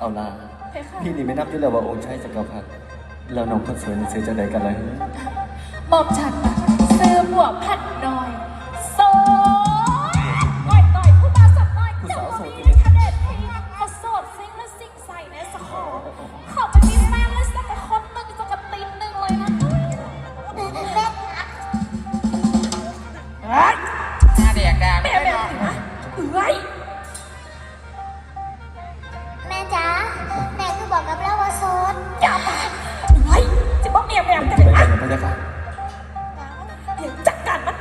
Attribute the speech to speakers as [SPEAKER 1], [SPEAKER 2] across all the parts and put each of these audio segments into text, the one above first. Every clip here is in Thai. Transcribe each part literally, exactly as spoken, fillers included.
[SPEAKER 1] เอาล่ะพี่นี่ไม่นับด้วยแล้วว่าองค์ชายจักรพรรดิแล้วน้องคนสวยนี่ซื้อจะไหนกันเลย
[SPEAKER 2] หม่อมฉันซื้อบัวพัดน้อยโซ่ต่อยต่อยผู้มาสับน้อยเจ้าบ่มีในคะแนนเพลงเขาโสดซิงและซิงใส่ในสะโขเขาไปมีแฟนและสักคนหนึ่งสักตีนหนึ่งเลยนะเฮ้ย
[SPEAKER 3] หน้าแดกดา
[SPEAKER 2] แม่
[SPEAKER 3] ไม่
[SPEAKER 2] แม่
[SPEAKER 3] นอน
[SPEAKER 2] เอ้ย
[SPEAKER 4] แม่จ๋าแม่คือบอกกับเราว่าโสด
[SPEAKER 2] อย่ามาเฮ้ยจะบอกแม่แม่จะ
[SPEAKER 1] ไป
[SPEAKER 2] เป็น
[SPEAKER 1] กั
[SPEAKER 2] อะ
[SPEAKER 1] นนะพระเจ้าค่ะ
[SPEAKER 2] เดี๋ยวจัดการมัน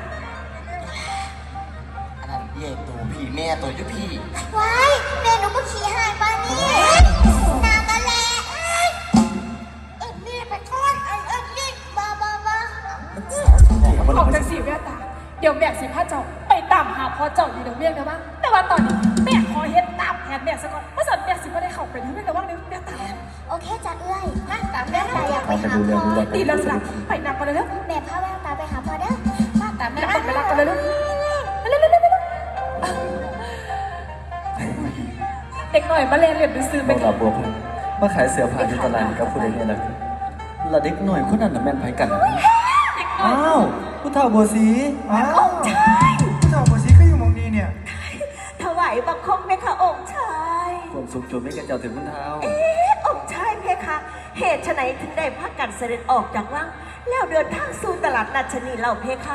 [SPEAKER 3] อันนั้นเย่ตัวพี่แม่ตัวยุพี่
[SPEAKER 4] ว้ายแม่หนูก็ขี่หายปานี่นากันแหละเอ้ยเอิ้นนี่ไปก่อนเอิ้นเอิ้นนี่บ้าบ้าบ้า
[SPEAKER 2] ออกจากสีแววตาเดี๋ยวแม่สิพาเจ้าไปตามหาพ่อเจ้าอยู่เดี๋ยวเรียกนะว่าแต่ว่าตอนนี้แม่ขอเฮ็ดตามแผนแม่ซะก่อนเพราะสันแม่สิไม่ได้เข้าไปที่เรื่องระว่างเดี๋ยวแม่ตาม
[SPEAKER 4] โอเคจ้ะเอ้ยมาตามแม่ตาอยากไป
[SPEAKER 1] เอาไป
[SPEAKER 4] หา
[SPEAKER 1] ดูเรื่
[SPEAKER 4] พ่
[SPEAKER 1] อง
[SPEAKER 4] อ
[SPEAKER 1] ดูแล
[SPEAKER 2] ตีลังสลักไปนับกันเลยเร็ว
[SPEAKER 4] แม่พาแววตาไปหาพ่อเด้อมาตามแม่
[SPEAKER 2] นับ
[SPEAKER 4] มา
[SPEAKER 2] ไปรักกันเลยเร็วเร็วเร็วเร็วเร็วเด็กหน่อยมาเรียนเรียนดูซื้อไป
[SPEAKER 1] น้องลาบัวพันมาขายเสื้อผ้าอยู่ตลาดนี่กับผู้ใดเนี่ยนะละเด็กหน่อยคนนั้นน่ะแม่นไผกันนะอ้าวผู้เฒ่าบัวสีอ้าว
[SPEAKER 5] เจ้าบัวสีก็อยู่หมองนี้เนี่ย
[SPEAKER 6] ถวายบังคมเพคะองค์ชาย
[SPEAKER 1] ความสุขจนไม่กระเจ้าถึงคุณเท้า
[SPEAKER 6] เอ๊ะองค์ชายเพคะ เหตุไฉนถึงได้พักกันเสด็จออกจากวังแล้วเดินทางสู่ตลาดนัดชนีเหล่าเพคะ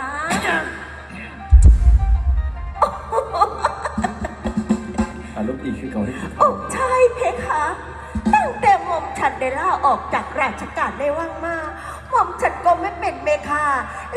[SPEAKER 1] อารมณ์ดีคือเก่าที่สุด
[SPEAKER 6] องค์ชายเพคะ ตั้งแต่หม่อมฉันได้ล่าออกจากราชการในวังมาหม่อมฉันก็ไม่เป็นเมคา